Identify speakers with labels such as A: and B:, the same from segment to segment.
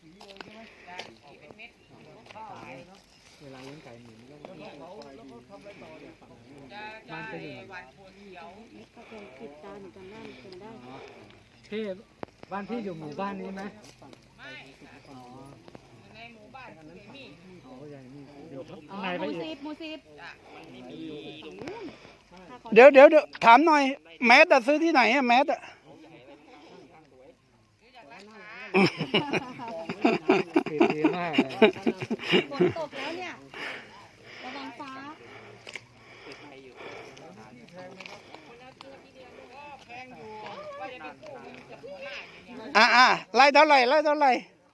A: เวลาเลี้ยงไก่หมุนแล้วก็
B: บ้าน
A: จะอยู่
B: ก็คงติดตามกันได้คงได้
A: พี่บ้านพี่อยู่หมู่บ้านนี้ไหม
C: ไม่ในหมู่บ้านไม่มี
A: อ๋อใหญ่นี่เดี๋ยว
B: อ๋อ
A: ข้างในไปอีก
B: มูซีฟ
C: มันไม่มี
D: เดี๋ยวถามหน่อยแมสอะซื้อที่ไหนอะแมสอะ
A: ติดดีมากเลย
B: ฝนตกแล้วเนี่ยระวังฟ้า
C: แพงอยู่ว่าจะได้กู้เงินจากหัวหน้าอย่างเงี้ย
D: ไล่เท่าไหร่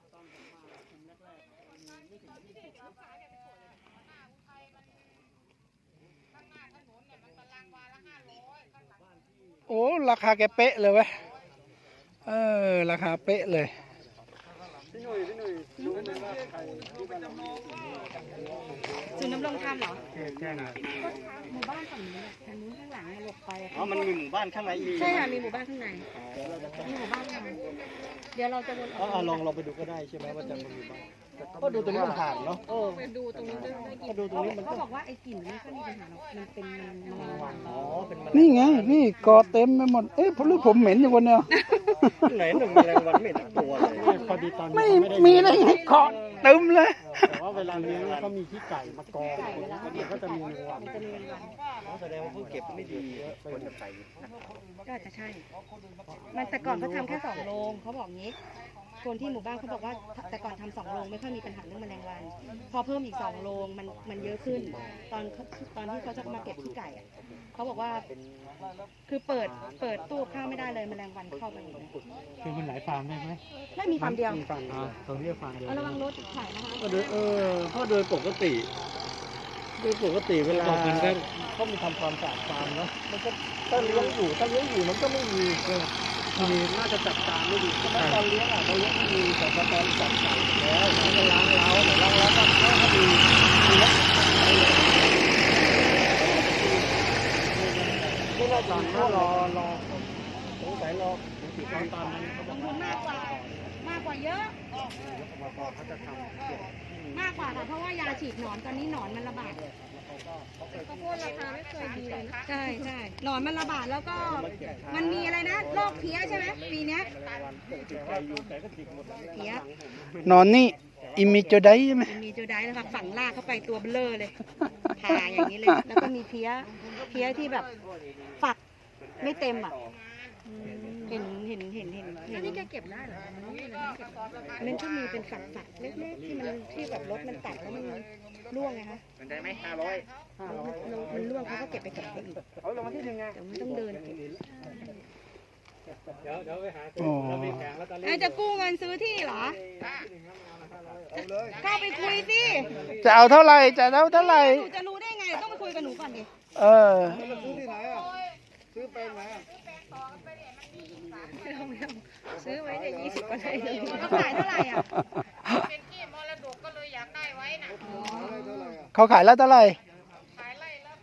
D: โอ้ราคาแกเป๊ะเลยเว้ยราคาเป๊ะเลย
A: พี่หนุ่ยรู้ไหมว่าใครที่บ้านเรา
B: ศูนย์ดำรงธรรมเหรอ
A: แค่ไหน
B: ก็หมู่บ้านฝั่งนี้ทางนู้นข้างหลังหลบไป
A: อ๋อมันมีหมู่บ้านข้างในอีก
B: ใช่ค่ะมีหมู่บ้านข้างในมีหมู่บ้านข้างในเดี๋ยวเราจะวนออก
A: ลองไปดูก็ได้ใช่ไหมว่าจะมีหมู่บ้านก็ดูตรงนี้มันผ่านเนาะ
B: ไปดูตรงนี้ได้กลิ่น
A: ก็ดูตรงนี้มัน
B: เขาบอกว่าไอ้กลิ่นไม่ค่อยมีปัญหาหรอกมันเป็นแมลงวัน
A: อ๋อเป็นแมลง
D: นี่ไงพี่กอเต็มไปหมดผมเหม็นอยู่คนเดียว
A: ไหนหนึ่งแมลงวันไม่เห็นตัวเลยพอดีตอนนี้
D: ไม่มีได้ไงเกาะเต็มเลย
A: แต่ว่าเวลาเลี้ยงเขามีขี้ไก่มากองก็จะมีแมลงวัน
B: มันจะมีแมลงวัน
A: แสดงว่าเขาเก็บไม่ดีคนกับไก่
B: ก็อาจจะใช่ มันแต่ก่อนเขาทำแค่2 โรงเขาบอกงี้ คนที่หมู่บ้านเขาบอกว่าแต่ก่อนทำ2 โรงไม่ค่อยมีปัญหาเรื่องแมลงวัน พอเพิ่มอีก2 โรงมันเยอะขึ้น ตอนที่เขาจะมาเก็บขี้ไก่อะเขาบอกว่าคือเปิดตู้ข้าวไม่ได้เลยแมลงวันเข้าไปหมดเลย
A: คือมันหลายฟาร์มได้ไหม
B: ไม่มีฟาร์มเดียว
A: มีฟาร์มตรงนี้ฟาร์มเดียว
B: เอาระวังรถถ่ายนะคะ
A: เพราะโดยปกติเวลาเขามีทำความสะอาดฟาร์มเนาะมันก็ถ้าเลี้ยงอยู่มันก็ไม่มีน่าจะจัดการไม่ดีเพราะตอนเลี้ยงเราเลี้ยงไม่ดีแต่พอตอนจับไก่แล้วมันก็ล้างเล้าก็มีไม่น่าตอนนั้นรอสงสัยรอตอนนั้นเขาจะ
B: ลงทุนมากกว่าเยอะมากกว่าค่ะเพราะว่ายาฉีดหนอนตอนนี้หนอนมันระบาดข้าวโพดราคาไม่เคยดีเลยใช่หนอนมันระบาดแล้วก็มันมีอะไรนะโรคเพี้ยใช่ไหมปีเนี้ยเพี้ย
D: นอนนี่อิมิโจไดใช่ไหม
B: มีโจไดแล้วค่ะฝังลากเข้าไปตัวเบลอเลยผ่าอย่างนี้เลยแล้วก็มีเพี้ยที่แบบฝักไม่เต็มอ่ะเห็นนี่แกเก็บได้เหรอมันก็มีเป็นฝักเล็กๆที่แบบรถมันตัดแล้วมันร่วงไงคะ
A: มันได้ไหม
B: มันร่วงเขาก็เก็บไปกับเขาอีก
A: เอาลงมาที่หนึ่งไง
B: แต่มันต้องเดินเก็บ
A: เดี๋ยวไปหา
D: อ๋อ
A: เรามีแผงแล้วตอนนี้
B: จะกู้เงินซื้อที่เหรอเข้าไปคุยสิ
D: จะเอาเท่าไหร่หนู
B: จะรู้ได้ไงต้องไปคุยกับหนูก่อนดิ
A: ซื้อที่ไหนอ่ะซื้อไปไหนอ่ะ
B: ซื้อไว้ใน20 กว่าไร่เลยเขาขายเท่าไหร่อ่ะ
C: เป็นที่มรดกก็เลยอยากได้ไว้นะ
D: เขาขายแล้วเท่าไหร่
C: ขายไร่ละ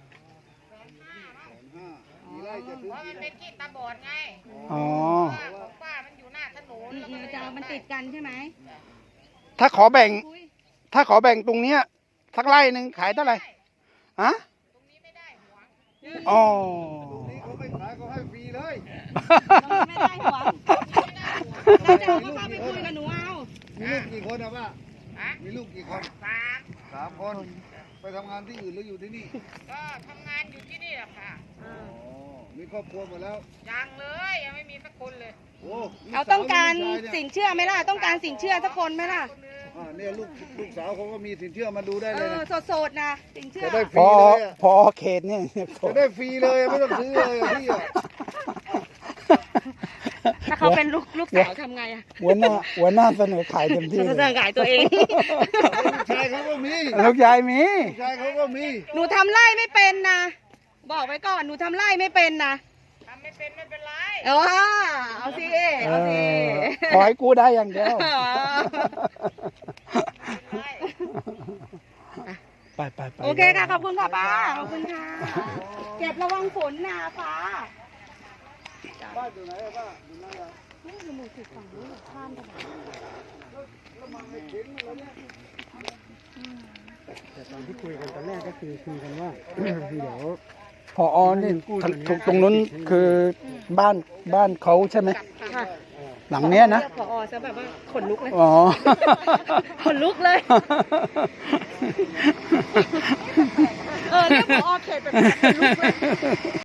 C: 150,000เพราะมันเป็นที่ตาบอดไง
D: อ๋อ
C: ของป้ามันอยู่หน้าถนนแล้วก็เลย
B: จะมันติดกันใช่ไหม
D: ถ้าขอแบ่งตรงเนี้ยสักไร่หนึ่งขายเท่าไหร่ฮะ
C: ตรงนี้ไม่ได้หวง
D: อ๋อ
A: นี่เขาไม่ขายเขาให้ฟรีเลย
B: ไม่ได้หวงแล้วจะเอาก็เข้าไปคุยกับหนูเอา
A: มีลูกกี่คนอะป้า
C: ฮะ
A: มีลูกกี่คน
C: 3
A: 3 คน ไปทำงานที่อื่นหรืออยู่ที่นี่
C: ก็ทำงานอยู่ที่นี่แหละค่ะ
A: มีครอบครัวหมดแล้ว
C: ยังเลยยังไม่มีสักคนเลย
A: โอ้
B: เอาต้องการสินเชื่อไหมล่ะต้องการสินเชื่อสักคนไหมล่ะ
A: เนี่ยลูกสาวเขาก็มีสินเชื่อมาดูได้เลยนะ
B: โสดๆนะสินเชื่อ
A: จะได้ฟ
D: พ
A: รี
D: อ
A: เลยอะ
D: พอเขตเนี่ย
A: จะได้ฟรีเลยไม่ต้องซื้อเลยพี่อะ
B: ถ้าเขาเป็นลูกสาวทำไงอ่ะ
D: หัวหน้าเสนอขายเต็มที่
B: จะขายตัวเอง
A: ลูกชายเขาก็มี
D: ลูกยายมี
A: ลูกชายเขาก็มี
B: หนูทำไร่ไม่เป็นนะบอกไว้ก่อนหนูทำไร่ไม่เป็นนะ
C: ทำไม่เป็นไม่เป็นไร
B: เอาสิเอาสิ
D: ขอให้กู้ได้อย่างเดียวไป
B: โอเคค่ะขอบคุณค่ะป้าขอบคุณค่ะเก็บระวังฝนนะฟ้า
A: บ้านอยู่ไหนอะป้าอยู่ไหนอะ
B: นี่คือหมู่สิบฝั่งนู้นข้ามถนน
A: แต่ตอนที่คุยกันตอนแรกก็คือคุยกันว่า เดี๋ยว
D: พอนี่ตรงนู้นคือบ้านเขาใช่ไหม
B: ค่ะ
D: หลังเนี้ยนะ
B: เรียกผอซะแบบว่าขนลุกเลย
D: อ๋อ
B: ขนลุกเลย เรียกผอเขตแบบขนลุกเลย